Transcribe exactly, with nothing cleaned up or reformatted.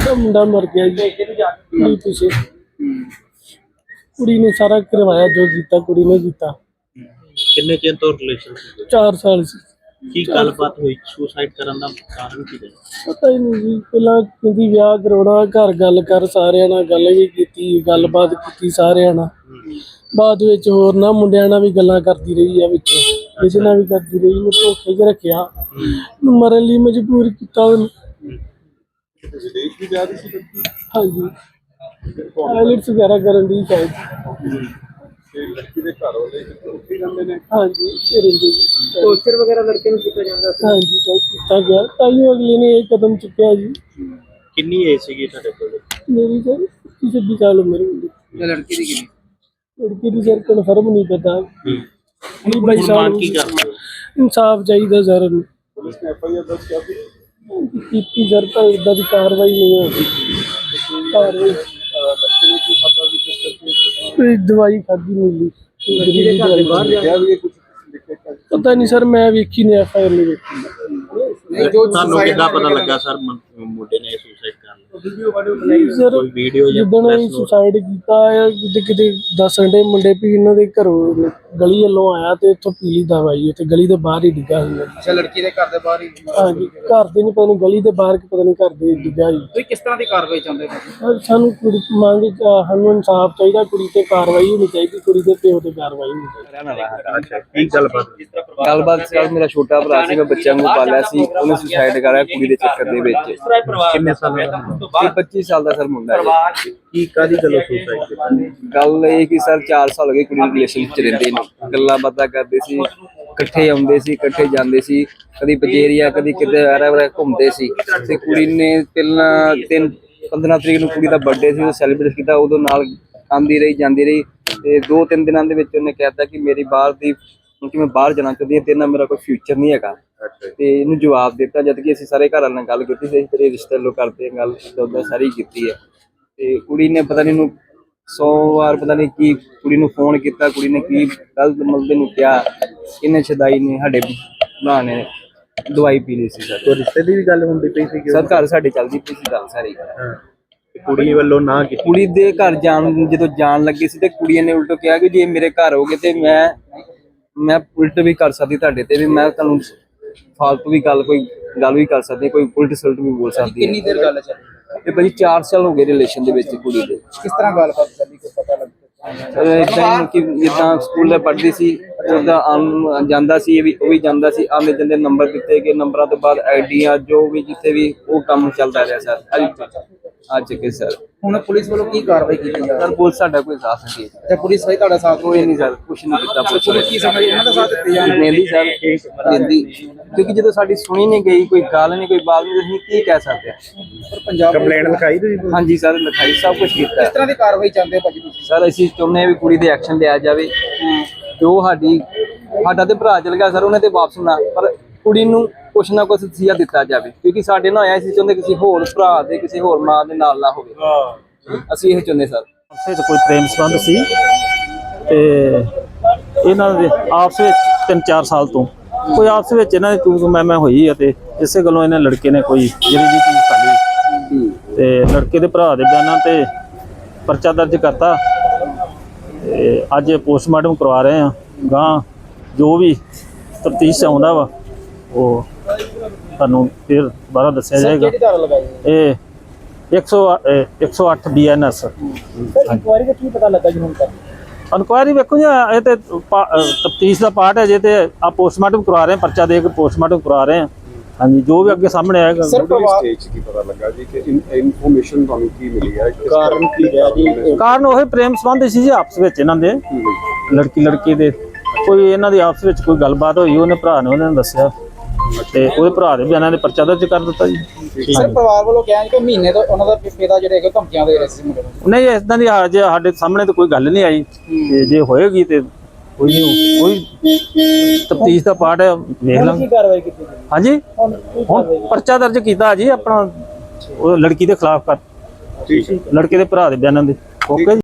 मुंडा मर गया जी नहीं पीछे कुड़ी ने सारा करवाया जो कीता कुड़ी ने कीता। किन्ने चिर तो रिलेशन चार साल से की गलबात हुई सुसाइड करन दा कारण की है पता ही नहीं जी पहला कहती ब्याह करवाना घर गल कर सारे नाल गल भी की गलबात की सारे नाल बाद विच होर ना मुंडियां नाल भी गल्लां करदी रही है विच किसी नाल भी करदी रही मैं धोखे च रखिया मरन लई मजबूर कीता विदेश भी जा रही सी लड़की हाँ जी आइलेट्स वगैरह करन दी शायद ਤੇ ਲੜਕੀ ਦੇ ਘਰ ਵਾਲੇ ਉੱਥੇ ਜਾਂਦੇ ਨੇ। हाँ जी ਰਹਿੰਦੇ जी टॉर्चर वगैरह लड़के ਨੂੰ ਕੀਤਾ ਜਾਂਦਾ ਸੀ। हाँ जी तो किया गया ताइयों अगले ने एक कदम चुकया जी किन्नी एज सीगी ਤੁਹਾਡੇ ਕੋਲ मेरी सर पच्चीस छब्बीस साल उम्र होगी ਤੇ ਲੜਕੀ ਦੀ ਕਿੰਨੀ लड़की की सर कन्फर्म नहीं पता बीस बाईस ਹੁਣ साल ਮੰਗ ਕੀ ਕਰਦੇ ਹੋ इंसाफ चाहिए सर ਪੁਲਿਸ ਨੇ ਐਫ ਆਈ ਆਰ ਦਰਜ ਕਰ ਦਿੱਤੀ। की सर तो इदा की कार्रवाई नहीं होगी कार्रवाई ਬੱਚੇ ਨੇ ਕੀ ਖਾਧਾ ਸੀ ਕਿਸ ਕਰਕੇ कोई दवाई खाधी मिली ਲੜਕੀ ਦੇ ਘਰ ਦੇ ਬਾਹਰ ਜਾ ਕਿਹਾ ਵੀ ਇਹ ਕੁਝ ਲਿਖਿਆ पता नहीं सर मैं वेखी नहीं एफ आई आर नहीं वेखी ਨਹੀਂ ਜੋ ਤੁਹਾਨੂੰ ਕਿੱਦਾਂ ਪਤਾ ਲੱਗਾ ਸਰ ਮੁੰਡੇ ਨੇ ਸੁਸਾਈਡ ਕਰ ਲਿਆ ਵੀਡੀਓ ਵਾਡੀਓ ਬਣਾਈ सर ਕੋਈ ਵੀਡੀਓ ਜਾਂ ਜਿੱਦਣ ਅਸੀਂ ਸੁਸਾਈਡ ਕੀਤਾ ਹੈ ਕਿਤੇ ਕਿਤੇ ਦੱਸਣ ਦੇ ਮੁੰਡੇ ਵੀ ਇਹਨਾਂ ਦੇ ਘਰੋਂ ਗਲੀ ਵੱਲੋਂ ਆਇਆ ਤੇ ਇੱਥੋਂ ਪੀਲੀ ਦਵਾਈ ਤੇ ਗਲੀ ਦੇ ਬਾਹਰ ਹੀ ਡਿੱਗਾ ਸੀ ਅੱਛਾ ਲੜਕੀ ਦੇ ਘਰ ਦੇ ਬਾਹਰ ਹੀ ਹਾਂਜੀ ਘਰ ਦੇ ਨਹੀਂ ਪਤਾ ਨਹੀਂ ਗਲੀ ਦੇ ਬਾਹਰ ਕਿ ਪਤਾ ਨਹੀਂ ਘਰ ਦੇ ਡਿੱਗਾ ਸੀ ਤੁਸੀਂ ਕਿਸ ਤਰ੍ਹਾਂ ਦੀ ਕਾਰਵਾਈ ਚਾਹੁੰਦੇ ਹੋ ਸਰ, ਸਾਨੂੰ ਕੁੜੀ ਮੰਗ ਅਹ ਸਾਨੂੰ ਇਨਸਾਫ ਚਾਹੀਦਾ ਕੁੜੀ ਤੇ ਕਾਰਵਾਈ ਹੋਣੀ ਚਾਹੀਦੀ ਕੁੜੀ ਦੇ ਪਿਓ ਤੇ ਕਾਰਵਾਈ ਹੋਣੀ ਚਾਹੀਦੀ ਅੱਛਾ ਕੀ ਗੱਲਬਾਤ ਗੱਲਬਾਤ ਸਰ ਮੇਰਾ ਛੋਟਾ ਭਰਾ ਸੀ ਮੈਂ ਬੱਚਿਆਂ ਨੂੰ ਪਾਲਿਆ ਸੀ ਉਹਨੇ ਸੁਸਾਈਡ ਕਰਾਇਆ ਕੁੜੀ ਦੇ ਚੱਕਰ ਦੇ ਵਿੱਚ ਕਿੰਨੇ ਸਾਲ ਦਾ ਇਹ ਪੱਚੀ ਸਾਲ ਦਾ ਸਰ ਮੁੰਡਾ ਹੈ ਕੀ ਕਾਦੀ ਗੱਲੋਂ ਸੁਸਾਈਡ ਕੀਤੀ ਗੱਲ ਇਹ ਕਿ ਸਰ ਚਾਰ ਸਾਲ ਹੋ ਗਏ ਕੁੜੀ ਰਿਲੇਸ਼ਨ ਵਿੱਚ ਰਹਿੰਦੇ ਨੇ ਗੱਲਾਂ ਬਾਤਾਂ ਕਰਦੇ ਸੀ ਇਕੱਠੇ ਆਉਂਦੇ ਸੀ ਇਕੱਠੇ ਜਾਂਦੇ ਸੀ ਕਦੀ ਪਜੇਰੀਆ ਕਦੀ ਕਿਤੇ ਆਰਾ ਵਰਾ ਘੁੰਮਦੇ ਸੀ ਤੇ ਕੁੜੀ ਨੇ ਪਹਿਲਾਂ ਤਿੰਨ ਪੰਦਰਾਂ ਤਰੀਕ ਨੂੰ ਕੁੜੀ ਦਾ ਬਰਥਡੇ ਸੀ ਉਹ ਸੈਲੀਬ੍ਰੇਟ ਕੀਤਾ ਉਦੋਂ ਨਾਲ ਆਉਂਦੀ ਰਹੀ ਜਾਂਦੀ ਰਹੀ ਤੇ ਦੋ ਤਿੰਨ ਦਿਨਾਂ ਦੇ ਵਿੱਚ ਉਹਨੇ ਕਹਿਤਾ ਕਿ ਮੇਰੀ ਬਾਹਰ ਦੀ ਕਿ ਮੈਂ ਬਾਹਰ ਜਾਣਾ ਚਾਹੁੰਦੀ ਹਾਂ ਤੇਰੇ ਨਾਲ ਮੇਰਾ ਕੋਈ ਫਿਊਚਰ ਨਹੀਂ ਹੈਗਾ ਤੇ ਇਹਨੂੰ ਜਵਾਬ ਦਿੱਤਾ ਜਦ ਕਿ ਅਸੀਂ ਸਾਰੇ ਘਰ ਵਾਲਿਆਂ ਨਾਲ ਗੱਲ ਕੀਤੀ ਸੀ ਤੇਰੇ ਰਿਸ਼ਤੇ ਲੋ ਕਰਦੇ ਹਾਂ ਗੱਲ ਉਦਾਂ ਸਾਰੀ ਕੀਤੀ ਹੈ ਤੇ ਕੁੜੀ ਨੇ ਪਤਾ ਨਹੀਂ ਇਹਨੂੰ ਸੌ ਵਾਰ ਪਤਾ ਨਹੀਂ ਕੀ ਕੁੜੀ ਨੂੰ ਫੋਨ ਕੀਤਾ ਕੁੜੀ ਨੇ ਕੀ ਗਲਤ ਮਲਦੇ ਨੂੰ ਕਿਹਾ ਇਹਨੇ ਛਦਾਈ ਨੇ ਸਾਡੇ ਭਰਾ ਨੇ ਦਵਾਈ ਪੀ ਲਈ ਸੀ ਸਰ ਕੋਈ ਰਿਸ਼ਤੇ ਦੀ ਵੀ ਗੱਲ ਹੁੰਦੀ ਪਈ ਸੀ ਸਰ ਘਰ ਸਾਡੇ ਚੱਲਦੀ ਪਈ ਸੀ ਗੱਲ ਸਾਰੀ ਕੁੜੀ ਵੱਲੋਂ ਨਾ ਕੀਤੀ ਕੁੜੀ ਦੇ ਘਰ ਜਾਣ ਜਦੋਂ ਜਾਣ ਲੱਗੀ ਸੀ ਤੇ ਕੁੜੀ ਨੇ ਉਲਟੋ ਕਿਹਾ ਕਿ ਜੇ ਮੇਰੇ ਘਰ ਹੋਗੇ ਤੇ ਮੈਂ ਮੈਂ ਉਲਟ ਵੀ ਕਰ ਸਕਦੀ ਤੁਹਾਡੇ ਤੇ ਵੀ ਮੈਂ ਤੁਹਾਨੂੰ ਫਾਲਤੂ ਵੀ ਗੱਲ ਕੋਈ ਗੱਲ ਵੀ ਕਰ ਸਕਦੀ ਕੋਈ ਉਲਟ ਸਲਟ ਵੀ ਬੋਲ ਸਕਦੀ ਕਿੰਨੀ ਦੇਰ ਗੱਲ ਚੱਲੀ ਇਹ ਭਾਜੀ ਚਾਰ ਸਾਲ ਹੋ ਗਏ ਰਿਲੇਸ਼ਨ ਦੇ ਵਿੱਚ ਕੁੜੀ ਦੇ ਕਿਸ ਤਰ੍ਹਾਂ ਗੱਲਬਾਤ ਚੱਲੀ ਕੋਈ ਪਤਾ ਲੱਗਾ ਇਦਾਂ ਹੀ ਕਿ ਜਿੱਦਾਂ ਸਕੂਲੇ ਪੜ੍ਹਦੀ ਸੀ ਉਹਦਾ ਆਮ ਜਾਂਦਾ ਸੀ ਇਹ ਵੀ ਉਹ ਵੀ ਜਾਂਦਾ ਸੀ ਆਉਂਦੇ ਜਾਂਦੇ ਨੰਬਰ ਦਿੱਤੇ ਗਏ ਨੰਬਰਾਂ ਤੋਂ ਬਾਅਦ ਆਈਡੀਆਂ ਜੋ ਵੀ ਜਿੱਥੇ ਵੀ ਉਹ ਕੰਮ ਚੱਲਦਾ ਰਿਹਾ ਸਰ ਅੱਜ ਅੱਜ ਕੇ ਸਰ ਹੁਣ ਪੁਲਿਸ ਵੱਲੋਂ ਕੀ ਕਾਰਵਾਈ ਕੀਤੀ ਜਾ ਰਹੀ ਸਰ ਪੁਲਿਸ ਸਾਡਾ ਕੋਈ ਸਾਥ ਨਹੀਂ ਦੇ ਹੈ ਪੁਲਿਸ ਸਹੀ ਤੁਹਾਡਾ ਸਾਥ ਕੋਈ ਨਹੀਂ ਸਰ ਕੁਛ ਨਹੀਂ ਕੀਤਾ ਪੁਲਿਸ ਪੁਲਿਸ ਕੀ ਸਮਝ ਇਹਨਾਂ ਦਾ ਸਾਥ ਦਿੱਤੇ ਜਾ ਦਿੰਦੀ ਸਰ ਦਿੰਦੀ ਕਿਉਂਕਿ ਜਦੋਂ ਸਾਡੀ ਸੁਣੀ ਨਹੀਂ ਗਈ ਕੋਈ ਗੱਲ ਨਹੀਂ ਕੋਈ ਬਾਤ ਨਹੀਂ ਅਸੀਂ ਕੀ ਕਹਿ ਸਕਦੇ ਹਾਂ ਪਰ ਪੰਜਾਬ ਕੰਪਲੇਂਟ ਲਿਖਾਈ ਤੁਸੀਂ ਹਾਂਜੀ ਸਰ ਲਿਖਾਈ ਸਭ ਕੁਝ ਕੀਤਾ ਕਿਸ ਤਰ੍ਹਾਂ ਦੀ ਕਾਰਵਾਈ ਚਾਹੁੰਦੇ ਹੋ ਭਾਜੀ ਤੁਸੀਂ ਸਰ ਅਸੀਂ ਚਾਹੁੰਦੇ ਹਾਂ ਵੀ ਕੁੜੀ ਦੇ ਐਕਸ਼ਨ ਲਿਆ ਜਾਵੇ ਤੇ ਉਹ ਸਾਡੀ ਸਾਡਾ ਤੇ ਭਰਾ ਚਲ ਗਿਆ ਸਰ ਉਹਨੇ ਤੇ ਵਾਪਸ ਨਾ ਪਰ ਕੁੜੀ ਨੂੰ ਕੁਛ ਨਾ ਕੁਛ ਤਸੀਹਾ ਦਿੱਤਾ ਜਾਵੇ ਕਿਉਂਕਿ ਸਾਡੇ ਨਾਲ ਆਇਆ ਸੀ ਚਾਹੁੰਦੇ ਕਿਸੇ ਹੋਰ ਭਰਾ ਦੇ ਕਿਸੇ ਹੋਰ ਮਾਂ ਦੇ ਨਾਲ ਨਾ ਹੋਵੇ ਅਸੀਂ ਇਹ ਚਾਹੁੰਦੇ ਸਰ ਆਪਸ ਵਿੱਚ ਕੋਈ ਪ੍ਰੇਮ ਸੰਬੰਧ ਸੀ ਤੇ ਇਹਨਾਂ ਦੇ ਆਪਸ ਵਿੱਚ ਤਿੰਨ ਚਾਰ ਸਾਲ ਤੋਂ ਕੋਈ ਆਪਸ ਵਿੱਚ ਇਹਨਾਂ ਦੀ ਤੂੰ ਤੂੰ ਮੈਂ ਮੈਂ ਹੋਈ ਆ ਤੇ ਇਸੇ ਗੱਲੋਂ ਇਹਨਾਂ ਲੜਕੇ ਨੇ ਕੋਈ ਜਿਹੜੀ ਜੀ ਚੀਜ਼ ਕਰ ਲਈ ਤੇ ਲੜਕੇ ਦੇ ਭਰਾ ਦੇ ਬਿਆਨਾਂ ਤੇ ਪਰਚਾ ਦਰਜ ਕਰਤਾ ਤੇ ਅੱਜ ਪੋਸਟਮਾਰਟਮ ਕਰਵਾ ਰਹੇ ਆ ਗਾਂ ਜੋ ਵੀ ਤਫਤੀਸ਼ ਆਉਂਦਾ ਵਾ ਉਹ ਤੁਹਾਨੂੰ ਫਿਰ ਦੁਬਾਰਾ ਦੱਸਿਆ ਜਾਏਗਾ ਕਿਹੜੀ ਧਾਰਾ ਲਗਾਈ ਇਹ ਇੱਕ ਸੌ ਅੱਠ B N S sir inquiry ਦਾ ਕੀ ਪਤਾ ਲੱਗਾ ਜੀ ਹੁਣ ਤੱਕ ਇਨਕੁਆਇਰੀ ਵੇਖੋ ਜੀ ਇਹ ਤੇ ਤਫਤੀਸ਼ ਦਾ ਪਾਰਟ ਹੈ ਜੇ ਤੇ ਆ ਪੋਸਟਮਾਰਟਮ ਕਰਵਾ ਰਹੇ ਪਰਚਾ ਦੇ ਕੇ ਪੋਸਟਮਾਰਟਮ ਕਰਵਾ ਰਹੇ ਹਾਂ ਹਾਂਜੀ ਜੋ ਵੀ ਅੱਗੇ ਸਾਹਮਣੇ ਆਏਗਾ ਸਰ ਪਰਿਵਾਰ ਸਟੇਜ ਕੀ ਪਤਾ ਲੱਗਾ ਜੀ ਕਿ ਇਨਫੋਰਮੇਸ਼ਨ ਤੁਹਾਨੂੰ ਕੀ ਮਿਲੀ ਹੈ ਕਾਰਨ ਕੀ ਰਿਹਾ ਜੀ ਕਾਰਨ ਉਹ ਪ੍ਰੇਮ ਸੰਬੰਧ ਸੀ ਜੀ ਆਪਸ ਵਿੱਚ ਇਹਨਾਂ ਦੇ ਲੜਕੀ ਲੜਕੀ ਦੇ ਕੋਈ ਇਹਨਾਂ ਦੀ ਆਪਸ ਵਿੱਚ ਕੋਈ ਗੱਲਬਾਤ ਹੋਈ ਉਹਨੇ ਭਰਾ ਨੇ ਉਹਨਾਂ ਨੂੰ ਦੱਸਿਆ ਤੇ ਉਹਦੇ ਭਰਾ ਦੇ ਬਿਆਨਾਂ ਦੇ ਪਰਚਾ ਦਰਜ ਕਰ ਦਿੱਤਾ ਜੀ ਸਰ ਪਰਿਵਾਰ ਵੱਲੋਂ ਕਿਹਾ ਕਿ ਮਹੀਨੇ ਤੋਂ ਉਹਨਾਂ ਦਾ ਪਿਤਾ ਜਿਹੜੇ ਹੈਗੇ ਧਮਕੀਆਂ ਦੇ ਰਹੇ ਸੀ ਮੁੰਡੇ ਨੂੰ ਨਹੀਂ ਇਦਾਂ ਦੀ ਹਾਲ ਜੇ ਸਾਡੇ ਸਾਹਮਣੇ ਤਾਂ ਕੋਈ ਗੱਲ ਨਹੀਂ ਆਈ ਤੇ ਜੇ ਹੋਏਗੀ ਤੇ ਕੋਈ ਨਹੀਂ ਕੋਈ ਤਫਤੀਸ਼ ਦਾ ਪਾਰਟ ਹੈ ਵੇਖ ਹੁਣ ਲਾਂਗੇ ਕੀ ਕਾਰਵਾਈ ਕੀਤੀ ਜੀ ਹਾਂਜੀ ਹੁਣ ਕੀ ਹੁਣ ਕਾਰਵਾਈ ਪਰਚਾ ਦਰਜ ਕੀਤਾ ਜੀ ਆਪਣਾ ਉਹ ਲੜਕੀ ਦੇ ਖਿਲਾਫ ਕਰ ਠੀਕ ਹੈ ਲੜਕੇ ਦੇ ਭਰਾ ਦੇ ਬਿਆਨਾਂ ਦੇ ਓਕੇ